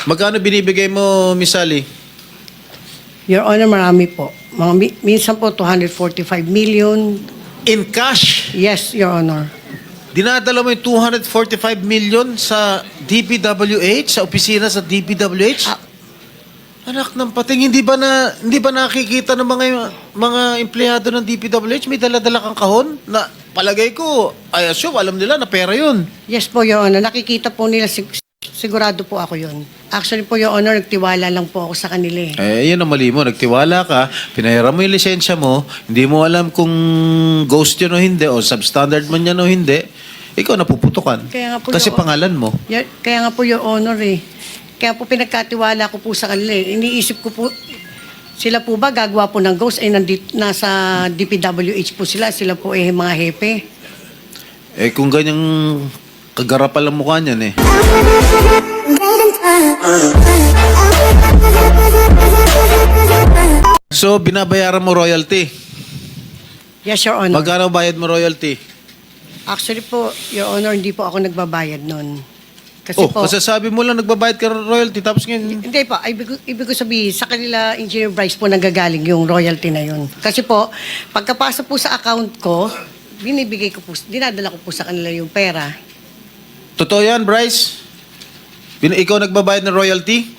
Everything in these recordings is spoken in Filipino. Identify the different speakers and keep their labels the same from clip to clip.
Speaker 1: Magkano binibigay mo, Miss Sally?
Speaker 2: Your Honor, marami po. Minsan po 245 million.
Speaker 1: In cash?
Speaker 2: Yes, Your Honor.
Speaker 1: Dinadala mo yung 245 million sa DPWH, sa opisina sa DPWH? Anak ng pating, hindi ba nakikita ng mga empleyado ng DPWH may dala-dala kang kahon na palagay ko, I assume alam nila na pera 'yun.
Speaker 2: Yes po, Your Honor. Nakikita po nila, sigurado po ako yun. Actually po, Your Honor, nagtiwala lang po ako sa kanila eh.
Speaker 1: Yun ang mali mo. Nagtiwala ka, pinahiram mo yung lisensya mo, hindi mo alam kung ghost yun o hindi, o substandard man yan o hindi, ikaw napuputukan.
Speaker 2: Kaya nga po,
Speaker 1: Kasi
Speaker 2: Your-
Speaker 1: pangalan mo.
Speaker 2: Kaya nga po, Your Honor eh. Kaya po pinagkatiwala ko po sa kanila eh. Iniisip ko po, sila po ba gagawa po ng ghost? Nasa DPWH po sila. Sila po eh mga hepe.
Speaker 1: Kung ganyang kagarapal ang mukha niyan eh. So, binabayaran mo royalty.
Speaker 2: Yes, Your Honor.
Speaker 1: Magkano bayad mo royalty?
Speaker 2: Actually po, Your Honor, hindi po ako nagbabayad nun. Kasi po,
Speaker 1: kasasabi mo lang nagbabayad ka ng royalty tapos ngayon...
Speaker 2: hindi po, ibig ko sabihin, sa kanila, Engineer Bryce po nanggagaling yung royalty na yun. Kasi po, pagkapasa po sa account ko, binibigay ko po, dinadala ko po sa kanila yung pera.
Speaker 1: Totoo yan, Bryce? Ikaw nagbabayad ng royalty?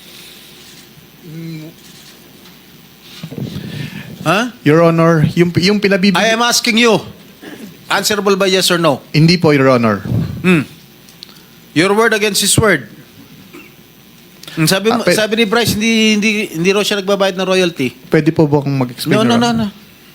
Speaker 1: Ha?
Speaker 3: Your Honor, yung pinabibigay...
Speaker 1: I am asking you. Answerable by yes or no?
Speaker 3: Hindi po, Your Honor.
Speaker 1: Your word against his word. Sabi ni Bryce, hindi raw siya nagbabayad ng royalty.
Speaker 3: Pwede po ba akong mag-explain,
Speaker 1: No.
Speaker 3: Your Honor?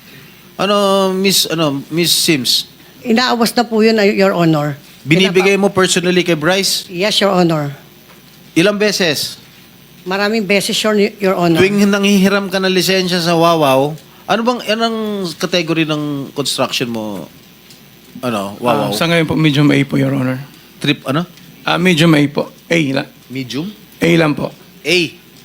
Speaker 1: Miss Sims,
Speaker 2: Inaawas na po yun, Your Honor.
Speaker 1: binibigay mo personally kay Bryce?
Speaker 2: Yes, Your Honor.
Speaker 1: Ilang beses?
Speaker 2: Maraming beses, Your Honor.
Speaker 1: Tuwing nanghihiram ka ng lisensya sa Wawaw, anong category ng construction mo? Wawaw?
Speaker 4: Sa ngayon po, medium A po, Your Honor.
Speaker 1: Trip,
Speaker 4: Medium A po. A lang.
Speaker 1: Medium?
Speaker 4: A lang po.
Speaker 1: A.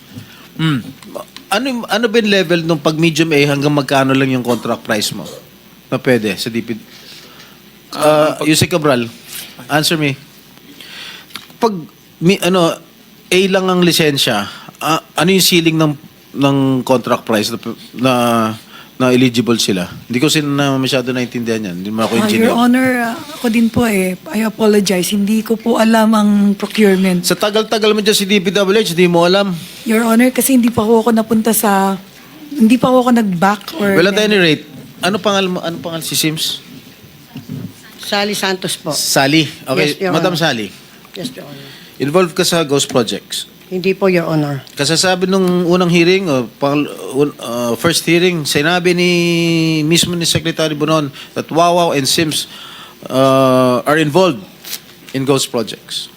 Speaker 1: Ano ba yung level nung pag medium A hanggang magkano lang yung contract price mo? Na pwede sa DP? Yusek Cabral, answer me. Pag A lang ang lisensya, ano yung ceiling ng contract price na eligible sila? Hindi ko masyado naintindihan yan. Hindi mo ako engineer.
Speaker 5: Your Honor, ako din po I apologize. Hindi ko po alam ang procurement.
Speaker 1: Sa tagal-tagal mo dyan si DPWH, hindi mo alam.
Speaker 5: Your Honor, kasi hindi pa ako napunta sa... Hindi pa ako nag-back or...
Speaker 1: Well, at any rate, ano pangal si Sims?
Speaker 2: Sally Santos po.
Speaker 1: Sally. Okay,
Speaker 2: Yes, Your
Speaker 1: Madam
Speaker 2: Honor.
Speaker 1: Sally.
Speaker 2: Yes, Your Honor.
Speaker 1: Involved ka sa ghost projects.
Speaker 2: Hindi po, Your Honor.
Speaker 1: Kasasabi nung unang hearing, first hearing, sinabi mismo ni Secretary Bonon that Wawaw and Sims are involved in ghost projects.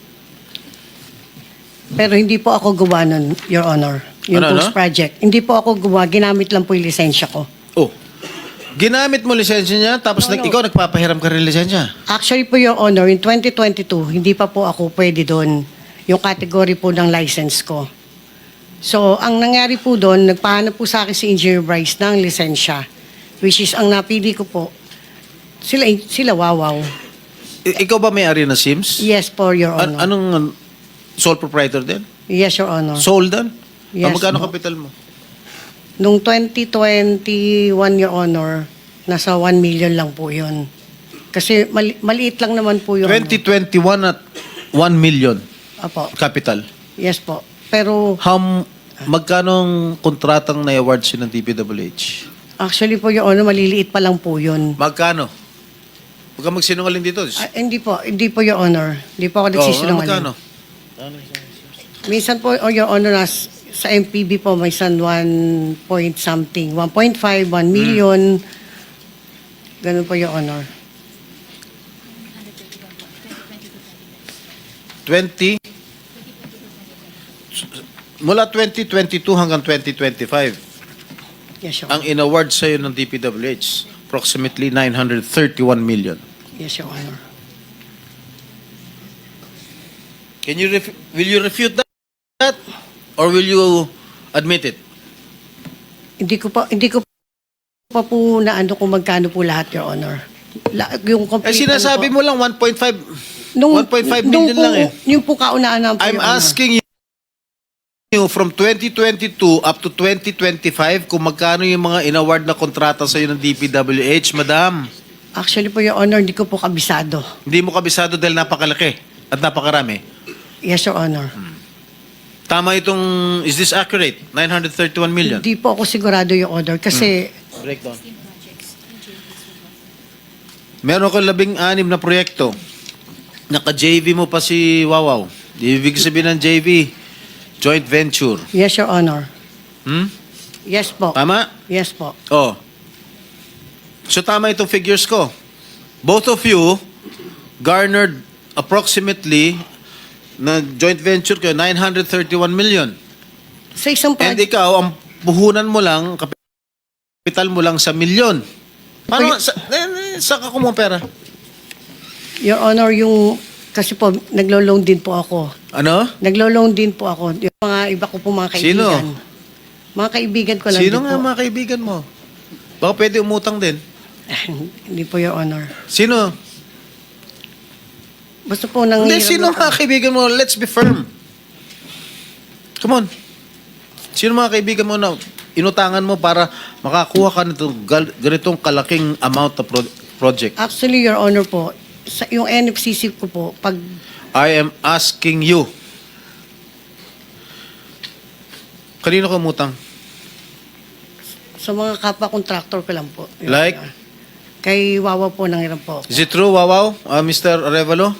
Speaker 2: Pero hindi po ako gawa nun, Your Honor. Yung post project. Hindi po ako gawa. Ginamit lang po yung lisensya ko.
Speaker 1: Oh, ginamit mo lisensya niya, tapos
Speaker 2: No.
Speaker 1: ikaw nagpapahiram ka rin lisensya.
Speaker 2: Actually po, Your Honor, in 2022, hindi pa po ako pwede doon. Yung category po ng license ko. So, ang nangyari po doon, nagpahanap po sa akin si Engineer Bryce ng lisensya. Which is, ang napili ko po, sila Wawaw.
Speaker 1: Ikaw ba may-ari na Sims?
Speaker 2: Yes po, Your Honor.
Speaker 1: Anong sole proprietor din?
Speaker 2: Yes, Your Honor.
Speaker 1: Sole din?
Speaker 2: Yes,
Speaker 1: Magkano
Speaker 2: po.
Speaker 1: kapital mo?
Speaker 2: Nung 2021, Your Honor, nasa 1 million lang po yun. Kasi maliit lang naman po yun.
Speaker 1: 2021 at 1 million
Speaker 2: Apo.
Speaker 1: capital.
Speaker 2: Yes po. Pero
Speaker 1: Magkano ang kontratang na-award siya ng DPWH?
Speaker 2: actually po, Your Honor, maliliit pa lang po yun.
Speaker 1: Magkano? Huwag ka magsinungaling dito.
Speaker 2: Hindi po, Your Honor. Hindi po ako nagsisinungaling.
Speaker 1: Magkano?
Speaker 2: Minsan po, Your Honor, sa MPB po, may 1 point something. 1.5, 1 million. Ganun po, Your Honor.
Speaker 1: 20? Mula 2022 hanggang 2025,
Speaker 2: Yes, Your
Speaker 1: ang
Speaker 2: Honor.
Speaker 1: in-award sa'yo ng DPWH, approximately 931 million.
Speaker 2: Yes, Your Honor.
Speaker 1: Will you refute that? Or will you admit it?
Speaker 2: Hindi ko pa po na ano kung magkano po lahat, Your Honor. Yung complete,
Speaker 1: Sinasabi
Speaker 2: ano po.
Speaker 1: mo lang 1.5
Speaker 2: Nung
Speaker 1: 1.5 million
Speaker 2: po,
Speaker 1: lang eh.
Speaker 2: Yung po kaunaan po,
Speaker 1: I'm
Speaker 2: Your Honor.
Speaker 1: asking from 2022 up to 2025 kung magkano yung mga inaward na kontrata sa'yo ng DPWH, madam?
Speaker 2: Actually po, Your Honor, hindi ko po kabisado.
Speaker 1: Hindi mo kabisado dahil napakalaki at napakarami.
Speaker 2: Yes, Your Honor.
Speaker 1: Tama itong, is this accurate? 931 million?
Speaker 2: Hindi po ako sigurado, Your Honor, kasi
Speaker 1: Breakdown. Meron ka 16 na proyekto. Naka-JV mo pa si Wawaw. Ibig sabihin ng JV, joint venture.
Speaker 2: yes, Your Honor.
Speaker 1: Hmm?
Speaker 2: Yes po.
Speaker 1: Tama?
Speaker 2: Yes po.
Speaker 1: Oh. So tama itong figures ko. Both of you garnered approximately na joint venture kayo 931 million.
Speaker 2: Sa isang
Speaker 1: And
Speaker 2: project,
Speaker 1: ikaw, ang puhunan mo lang, kapital mo lang sa milyon. Paano, saan ka kumuha pera?
Speaker 2: Your Honor, yung, kasi po, naglo-loan din po ako.
Speaker 1: Ano?
Speaker 2: Naglo-loan din po ako. Yung mga iba ko po mga
Speaker 1: Sino?
Speaker 2: kaibigan. Mga kaibigan ko lang
Speaker 1: Sino
Speaker 2: din
Speaker 1: nga
Speaker 2: po.
Speaker 1: mga kaibigan mo? Baka pwede umutang din.
Speaker 2: Hindi po, Your Honor.
Speaker 1: Sino?
Speaker 2: Basta po nang...
Speaker 1: Hindi, sino mga kaibigan mo? Let's be firm. Come on. Sino mga kaibigan mo na inutangan mo para makakuha ka nitong ganitong kalaking amount na project?
Speaker 2: Actually, Your Honor po, yung NFCC ko po, pag
Speaker 1: I am asking you. Kanino ka umutang?
Speaker 2: sa mga kapwa-contractor ko lang po. Your
Speaker 1: Like?
Speaker 2: Honor. Kay Wawa po nang ilan po.
Speaker 1: Is it true, Wawaw? Mr. Arevalo?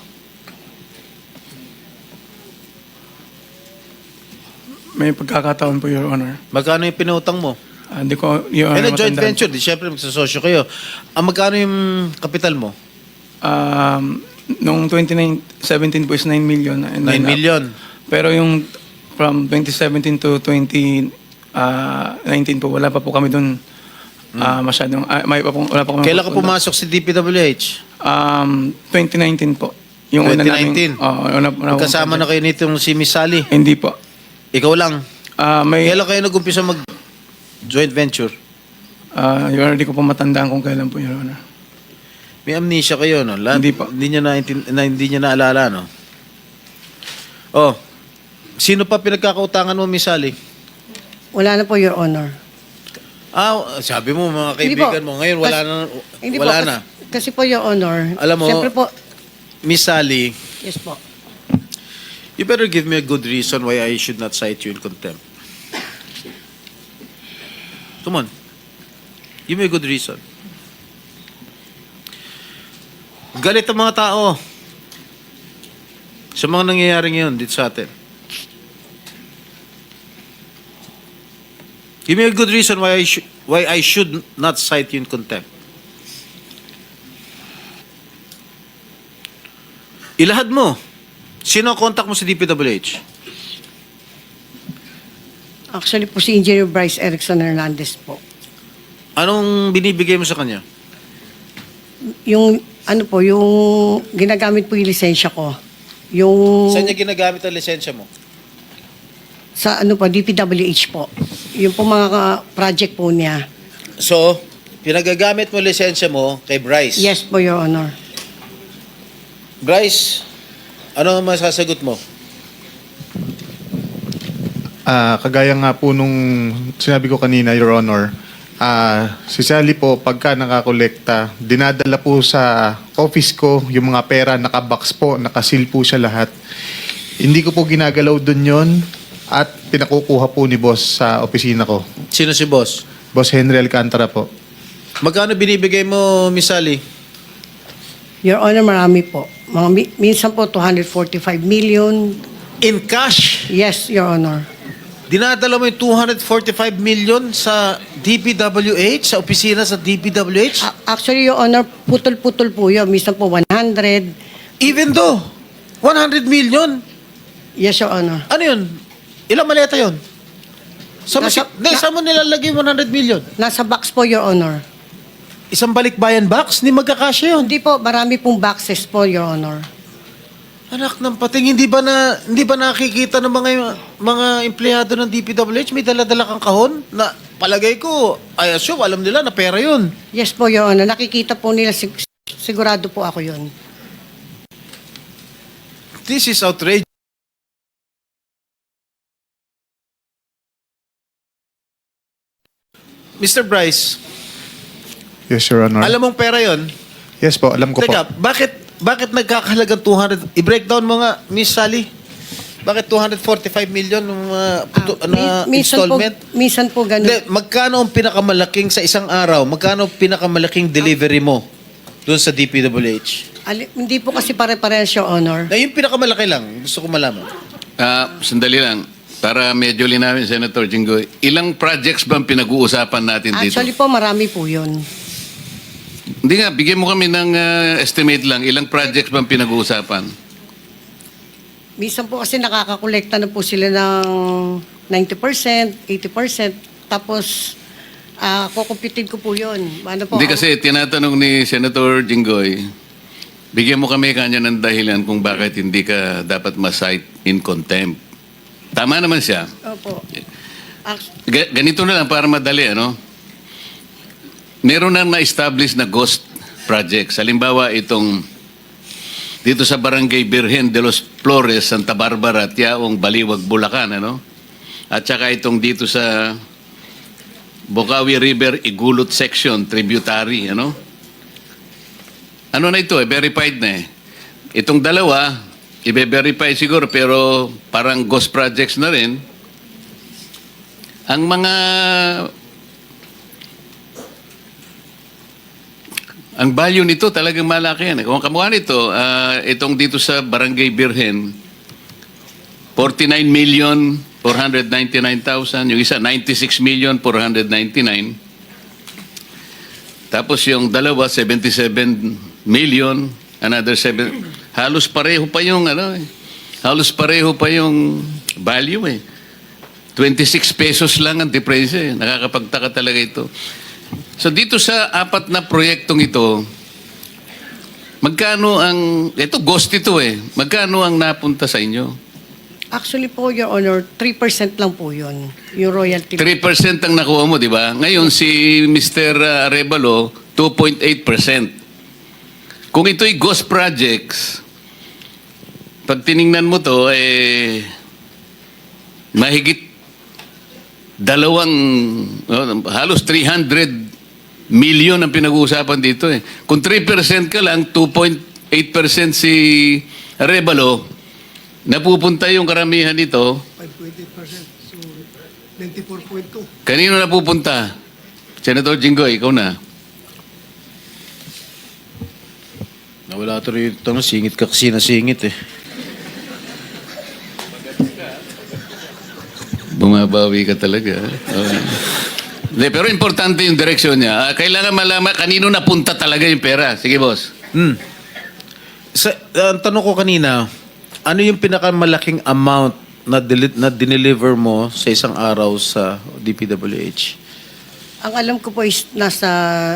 Speaker 4: May pagkakataon po, Your Honor.
Speaker 1: Magkano yung pinutang mo?
Speaker 4: Hindi ko, Your
Speaker 1: And
Speaker 4: Honor,
Speaker 1: a joint
Speaker 4: matandaan.
Speaker 1: venture, di syempre magsasosyo kayo. Magkano yung kapital mo?
Speaker 4: Noong 2017 po is 9 million.
Speaker 1: 9
Speaker 4: And then,
Speaker 1: million.
Speaker 4: pero yung from 2017 to 2019 po, wala pa po kami doon masyadong, wala pa kami.
Speaker 1: Kailan ka pumasok si DPWH?
Speaker 4: 2019 po. Yung una namin.
Speaker 1: 2019? Kasama na kayo nitong si Miss Sally?
Speaker 4: Hindi po.
Speaker 1: Ikaw lang?
Speaker 4: May,
Speaker 1: Kailan kayo nag-umpisa mag-joint venture?
Speaker 4: Your Honor, hindi ko po matandaan kung kailan po, Your Honor.
Speaker 1: May amnesia kayo, no?
Speaker 4: Hindi po.
Speaker 1: Hindi niya naalala, no? Oh, sino pa pinagkakautangan mo, Miss Sally?
Speaker 2: Wala na po, Your Honor.
Speaker 1: Sabi mo, mga
Speaker 2: Hindi
Speaker 1: kaibigan
Speaker 2: po.
Speaker 1: mo, ngayon wala na.
Speaker 2: Hindi
Speaker 1: Wala
Speaker 2: po,
Speaker 1: na.
Speaker 2: Kasi po, Your Honor,
Speaker 1: Alam mo-
Speaker 2: siyempre po,
Speaker 1: Miss Sally,
Speaker 2: yes po.
Speaker 1: you better give me a good reason why I should not cite you in contempt. Come on. Give me a good reason. Galit ang mga tao sa mga nangyayari ngayon dito sa atin. Give me a good reason why I should not cite you in contempt. Ilahad mo. Sino ang contact mo sa DPWH?
Speaker 2: Actually po si Engineer Bryce Erickson Hernandez po.
Speaker 1: Anong binibigay mo sa kanya?
Speaker 2: Yung ano po, yung ginagamit po yung lisensya ko. Yung
Speaker 1: Saan niya ginagamit ang lisensya mo?
Speaker 2: sa ano po, DPWH po. Yung po mga project po niya.
Speaker 1: So, pinagagamit mo lisensya mo kay Bryce.
Speaker 2: Yes po, Your Honor.
Speaker 1: Bryce, ano ang masasagot mo?
Speaker 3: Kagaya nga po nung sinabi ko kanina, Your Honor, si Sally po, pagka nakakolekta, dinadala po sa office ko yung mga pera, nakabox po, nakasil po siya lahat. Hindi ko po ginagalaw dun yon at pinakukuha po ni boss sa opisina ko.
Speaker 1: Sino si boss?
Speaker 3: Boss Henry Alcantara po.
Speaker 1: Magkano binibigay mo, Miss Sally?
Speaker 2: Your Honor, marami po. Minsan po 245 million.
Speaker 1: In cash?
Speaker 2: Yes, Your Honor.
Speaker 1: Dinadala mo yung 245 million sa DPWH, sa opisina sa DPWH?
Speaker 2: Actually, Your Honor, putol-putol po yun. Minsan po 100.
Speaker 1: Even though, 100 million?
Speaker 2: Yes, Your Honor.
Speaker 1: Ano yun? Ilang maleta yun? Saan mo nilalagay yung 100 million?
Speaker 2: Nasa box po, Your Honor.
Speaker 1: Isang balikbayan box? Hindi magkakasya yun.
Speaker 2: Hindi po, marami pong boxes po, Your Honor.
Speaker 1: Anak ng pating, hindi ba nakikita ng mga empleyado ng DPWH may dala-dala kang kahon na palagay ko, I assume, alam nila na pera yun.
Speaker 2: Yes po, Your Honor. Nakikita po nila, sigurado po ako yun.
Speaker 1: This is outrageous. Mr. Bryce,
Speaker 3: Yes, Your Honor.
Speaker 1: alam mong pera yon?
Speaker 3: Yes po, alam ko po.
Speaker 1: Teka, bakit nagkakahalagang 200? I-breakdown mo nga, Miss Sally. Bakit 245 million ng installment?
Speaker 2: Minsan po ganun.
Speaker 1: Hindi, magkano ang pinakamalaking sa isang araw? Magkano ang pinakamalaking delivery mo doon sa DPWH?
Speaker 2: Hindi po kasi pare-parehas, Your Honor.
Speaker 1: Na yung pinakamalaki lang, gusto ko malaman.
Speaker 6: Sandali lang. Para medyo linawin, Senator Jinggoy, ilang projects ba ang pinag-uusapan natin dito?
Speaker 2: Actually po, marami po yun.
Speaker 6: Hindi nga, bigyan mo kami ng estimate lang. Ilang projects ba ang pinag-uusapan?
Speaker 2: Minsan po kasi nakakakolekta na po sila ng 90%, 80%. Tapos, kukumpitin ko po yun. Ano po,
Speaker 6: Hindi kasi tinatanong ni Senator Jinggoy, bigyan mo kami kanya ng dahilan kung bakit hindi ka dapat ma-cite in contempt. Tama naman siya.
Speaker 2: Opo. Act-
Speaker 6: Ganito na lang para madali, ano? Meron na na-establish na ghost projects. Halimbawa, itong dito sa Barangay Birhen de los Flores, Santa Barbara, Tiaong, Baliwag, Bulacan, ano? At saka itong dito sa Bocaue River, Igulot Section, Tributary, ano? Ano na ito, verified na eh. Itong dalawa, i-verify siguro, pero parang ghost projects na rin. Ang mga ang value nito talagang malaki yan. Kung kamukha nito, itong dito sa Barangay Birhen, 49,499,000. Yung isa, 96,499,000. Tapos yung dalawa, 77 million. Another 7. Halos pareho pa yung halos pareho pa yung value eh. 26 pesos lang ang difference eh. Nakakapagtaka talaga ito. So dito sa apat na proyektong ito, magkano ang, ito ghost ito eh, magkano ang napunta sa inyo?
Speaker 2: Actually po, Your Honor, 3% lang po yun. Yung royalty.
Speaker 6: 3% ang nakuha mo, di ba? Ngayon si Mr. Arevalo, 2.8%. Kung ito'y ghost projects, pag tiningnan mo to, mahigit halos 300 million ang pinag-uusapan dito eh. Kung 3% ka lang, 2.8% si Arevalo, napupunta yung karamihan dito.
Speaker 7: 5.8%. So, 94.2.
Speaker 6: Kanino napupunta? Senator Jinggoy, ikaw na.
Speaker 1: Nawala ito rin ito, singit ka kasi nasingit eh.
Speaker 6: Bumabawi ka talaga. De, pero importante yung direksyon niya. Kailangan malaman kanino napunta talaga yung pera. Sige, boss.
Speaker 1: Ang tanong ko kanina, ano yung pinakamalaking amount na dineliver mo sa isang araw sa DPWH?
Speaker 2: Ang alam ko po is nasa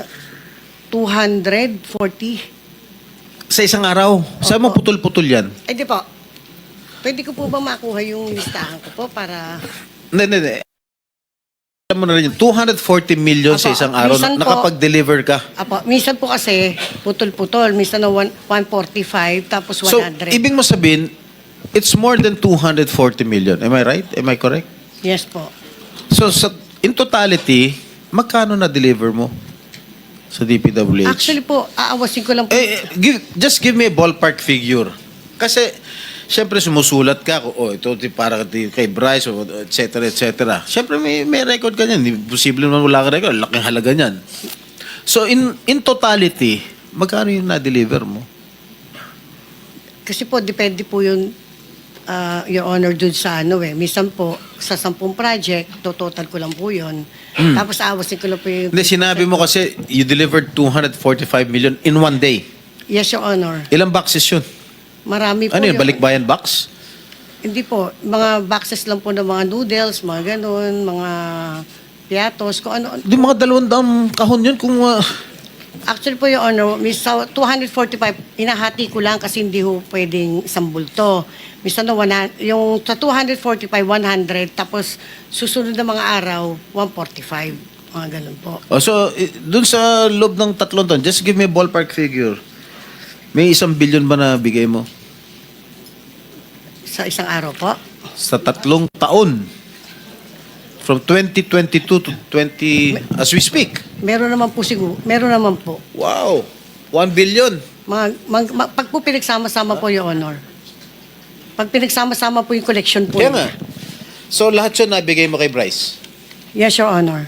Speaker 2: 240.
Speaker 1: Sa isang araw? Saan mo putol-putol yan?
Speaker 2: Eh di po. Pwede ko po ba makuha yung listahan ko po para...
Speaker 1: Hindi. Alam mo na rin yun, 240 million sa
Speaker 2: Apo,
Speaker 1: isang araw,
Speaker 2: minsan po-
Speaker 1: nakapag-deliver ka.
Speaker 2: Apo, minsan po kasi putol-putol. Minsan na 145 tapos 100.
Speaker 1: So, ibig mo sabihin, it's more than 240 million. Am I right? Am I correct?
Speaker 2: Yes po.
Speaker 1: So, in totality, magkano na-deliver mo sa DPWH?
Speaker 2: Actually po, aawasin ko lang po.
Speaker 1: Just give me a ballpark figure. Kasi, syempre sumusulat ka, ito para kay Bryce, et cetera, et cetera. Syempre may record ka niyan. Imposible naman wala ka record. Laking halaga niyan. So, in totality, magkano yung na-deliver mo?
Speaker 2: Kasi po, depende po yun, Your Honor, dun sa Minsan po, sa 10 project, total ko lang po yun. Tapos aawasin ko lang po yung...
Speaker 1: Hindi, sinabi mo kasi you delivered 245 million in one day.
Speaker 2: Yes, Your Honor.
Speaker 1: Ilang boxes yun?
Speaker 2: Marami po.
Speaker 1: Ano yun,
Speaker 2: Your-
Speaker 1: balikbayan box?
Speaker 2: Hindi po. Mga boxes lang po ng mga noodles, mga ganun, mga piatos, kung ano.
Speaker 1: Di mga 200 kahon yun kung...
Speaker 2: Actually po, Your Honor, sa 245, inahati ko lang kasi hindi ho pwedeng isang bulto. Minsan na yung sa 245, 100, tapos susunod na mga araw, 145. Mga ganun po.
Speaker 1: So, dun sa loob ng 3 taon, just give me a ballpark figure. May 1 billion ba na bigay mo?
Speaker 2: Sa isang araw po.
Speaker 1: Sa 3 taon. From 2022 to 20, as we speak.
Speaker 2: Meron naman po siguro. Meron naman po.
Speaker 1: Wow. 1 billion.
Speaker 2: Pag po pinagsama-sama po, Your Honor. Pag pinagsama-sama po yung collection po.
Speaker 1: Kaya nga. So lahat yun nabigay mo kay Bryce?
Speaker 2: Yes, Your Honor.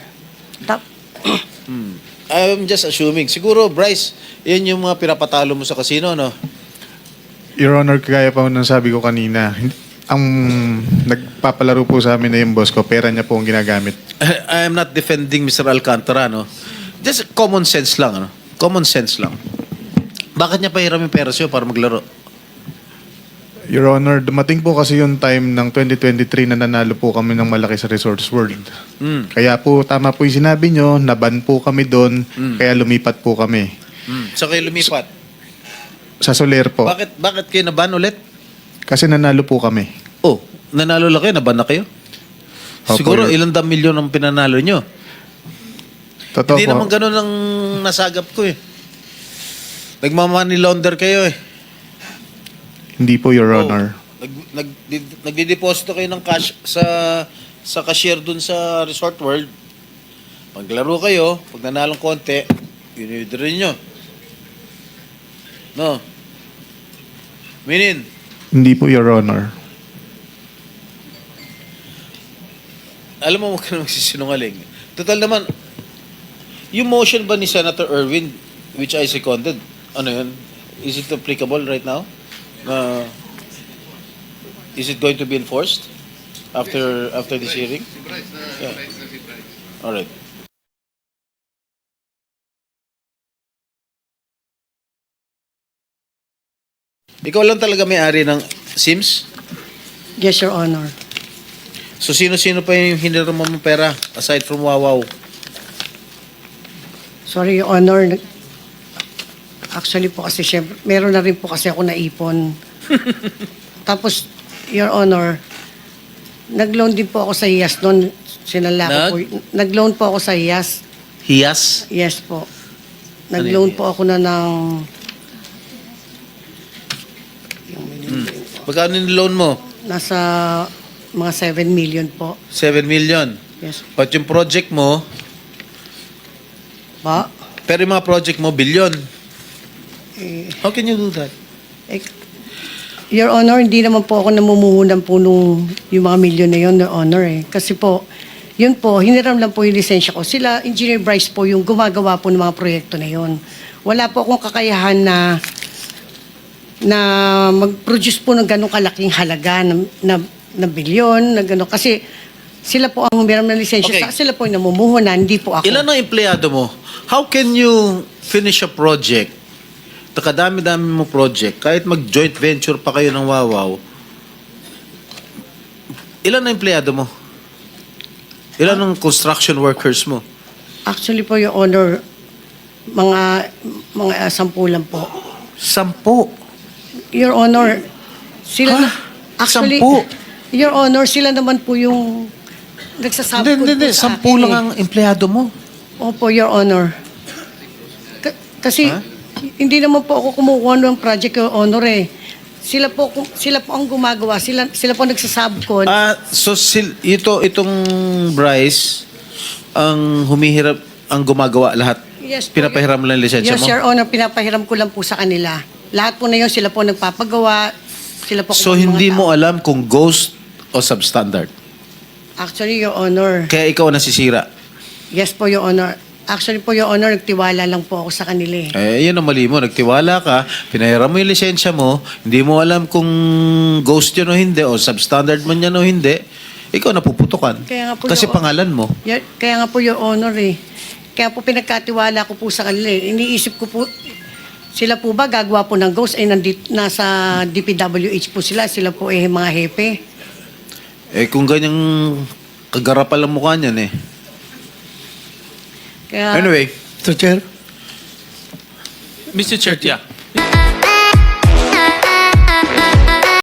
Speaker 1: I'm just assuming. Siguro, Bryce, yan yung mga pinapatalo mo sa casino, no?
Speaker 3: Your Honor, kagaya pa ng sabi ko kanina, ang nagpapalaro po sa amin na yung boss ko, pera niya po ang ginagamit.
Speaker 1: I am not defending Mr. Alcantara, no? Just common sense lang, ano? Common sense lang. Bakit niya pahiram yung pera sa'yo para maglaro?
Speaker 3: Your Honor, dumating po kasi yung time ng 2023 na nanalo po kami ng malaki sa Resorts World. Kaya po, tama po yung sinabi nyo, naban po kami doon, kaya lumipat po kami.
Speaker 1: So kayo lumipat.
Speaker 3: Sa Soler po.
Speaker 1: Bakit kayo naban ulit?
Speaker 3: Kasi nanalo po kami.
Speaker 1: Oh, nanalo lang kayo, naban na kayo?
Speaker 3: Opo,
Speaker 1: Siguro
Speaker 3: Your-
Speaker 1: ilang dam milyon ang pinanalo nyo.
Speaker 3: Totoo
Speaker 1: Hindi
Speaker 3: po.
Speaker 1: naman ganun ang nasagap ko eh. Nagmamoney launder kayo eh.
Speaker 3: Hindi po, Your
Speaker 1: Oh,
Speaker 3: Honor.
Speaker 1: Nagdideposito kayo ng cash sa cashier dun sa Resort World. Paglaro kayo, pag nanalong konti, yun nyo. No? Minin,
Speaker 3: Hindi po, Your Honor.
Speaker 1: alam mo, huwag ka na magsisinungaling. Total naman, yung motion ba ni Senator Erwin, which I seconded, ano yun? Is it applicable right now? Is it going to be enforced after this hearing? Yeah. All right. Ikaw lang talaga may-ari ng Sims?
Speaker 2: Yes, Your Honor.
Speaker 1: So sino-sino pa yung hiniram mo ng pera aside from Wawaw?
Speaker 2: Sorry, Your Honor. Actually po kasi syempre, meron na rin po kasi ako naipon. Tapos, Your Honor, nag-loan din po ako sa IAS noon. Sinala ko po. Nag-loan po ako sa IAS.
Speaker 1: Hiyas?
Speaker 2: Yes po.
Speaker 1: Ano
Speaker 2: Nag-loan
Speaker 1: yun?
Speaker 2: po ako na ng...
Speaker 1: Magkano yung loan mo?
Speaker 2: Nasa mga 7 million po.
Speaker 1: 7 million.
Speaker 2: Yes.
Speaker 1: But yung project mo,
Speaker 2: Ba?
Speaker 1: pero yung mga project mo, billion.
Speaker 2: Eh,
Speaker 1: How can you do that?
Speaker 2: eh, Your Honor, hindi naman po ako namumuhunan po nung yung mga milyon na yun, Your Honor eh. Kasi po, yun po, hiniram lang po yung lisensya ko. Sila, Engineer Bryce po, yung gumagawa po ng mga proyekto na yun. Wala po akong kakayahan na mag-produce po ng ganong kalaking halaga na bilyon, na gano'n. Kasi sila po ang humiram ng lisensya.
Speaker 1: Okay.
Speaker 2: Sila po yung namumuhunan, hindi po ako.
Speaker 1: Ilan ang empleyado mo? How can you finish a project? Takadami-dami mo project. Kahit mag-joint venture pa kayo ng Wawaw. Ilan ang empleyado mo? Ilan ang construction workers mo?
Speaker 2: Actually po, Your Honor, mga 10 lang po.
Speaker 1: 10.
Speaker 2: Your Honor, sila
Speaker 1: Ha?
Speaker 2: na, actually,
Speaker 1: 10?
Speaker 2: Your Honor, sila naman po yung nagsasabot
Speaker 1: Hindi. 10 lang ang empleyado mo.
Speaker 2: Opo, Your Honor. Kasi
Speaker 1: Ha?
Speaker 2: hindi naman po ako kumukuha ng project, Your Honor eh. Sila po ang gumagawa. Sila po nagsasabot.
Speaker 1: So itong Bryce ang humihirap, ang gumagawa lahat.
Speaker 2: Yes po,
Speaker 1: Pinapahiram lang yung lisensya
Speaker 2: Yes,
Speaker 1: mo.
Speaker 2: Your Honor, pinapahiram ko lang po sa kanila. Lahat po na yun, sila po nagpapagawa. Sila po
Speaker 1: So
Speaker 2: mga
Speaker 1: hindi
Speaker 2: tao.
Speaker 1: mo alam kung ghost o substandard.
Speaker 2: Actually, Your Honor.
Speaker 1: Kaya ikaw ang nasisira.
Speaker 2: Yes po, Your Honor. Actually po, Your Honor, nagtiwala lang po ako sa kanila eh.
Speaker 1: Yun ang mali mo. Nagtiwala ka, pinahiram mo yung lisensya mo, hindi mo alam kung ghost yun o hindi, o substandard man yan o hindi, ikaw napuputukan.
Speaker 2: Kaya nga po,
Speaker 1: Kasi
Speaker 2: Your-
Speaker 1: pangalan mo.
Speaker 2: Kaya nga po, Your Honor eh. Kaya po pinagkatiwala ko po sa kanila eh. Iniisip ko po, sila po ba gagawa po ng ghost? Nasa DPWH po sila. Sila po eh mga hepe.
Speaker 1: Kung ganyang kagarapal ang mukha niyan eh.
Speaker 2: Kaya,
Speaker 1: Anyway,
Speaker 7: Mr. Chair,
Speaker 8: Mr. Chair, yeah.